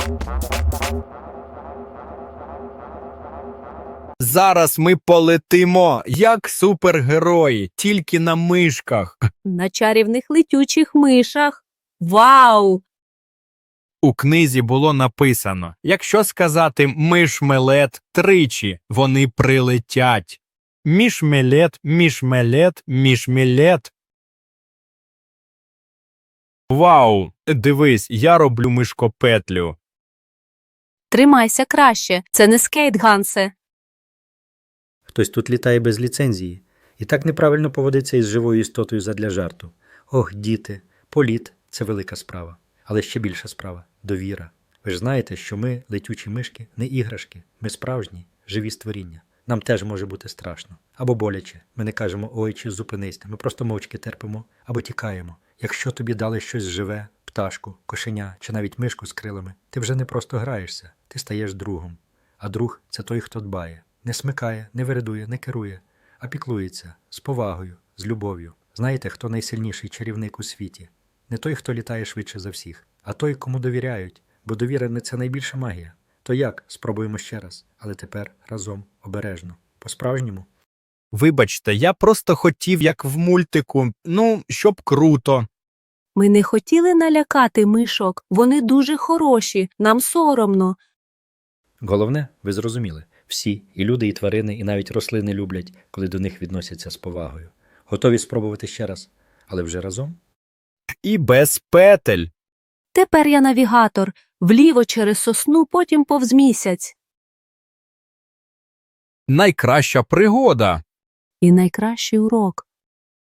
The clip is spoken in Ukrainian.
Зараз ми полетимо, як супергерої, тільки на мишках. На чарівних летючих мишах. Вау! У книзі було написано, якщо сказати «мишмелет» тричі, вони прилетять. Мішмелет, мішмелет, мішмелет. Вау! Дивись, я роблю мишкопетлю. Тримайся краще. Це не скейт, Гансе. Хтось тут літає без ліцензії. І так неправильно поводиться із живою істотою задля жарту. Ох, діти, політ – це велика справа. Але ще більша справа – довіра. Ви ж знаєте, що ми, летючі мишки, не іграшки. Ми справжні, живі створіння. Нам теж може бути страшно. Або боляче. Ми не кажемо «ой» чи «зупинись». Ми просто мовчки терпимо або тікаємо. Якщо тобі дали щось живе, пташку, кошеня чи навіть мишку з крилами, ти вже не просто граєшся, ти стаєш другом. А друг – це той, хто дбає. Не смикає, не вередує, не керує, а піклується, з повагою, з любов'ю. Знаєте, хто найсильніший чарівник у світі? Не той, хто літає швидше за всіх, а той, кому довіряють, бо довіра – це найбільша магія. То як? Спробуємо ще раз, але тепер разом, обережно. По-справжньому? Вибачте, я просто хотів, як в мультику, щоб круто. Ми не хотіли налякати мишок. Вони дуже хороші. Нам соромно. Головне, ви зрозуміли, всі, і люди, і тварини, і навіть рослини люблять, коли до них відносяться з повагою. Готові спробувати ще раз, але вже разом? І без петель. Тепер я навігатор. Вліво через сосну, потім повз місяць. Найкраща пригода. І найкращий урок.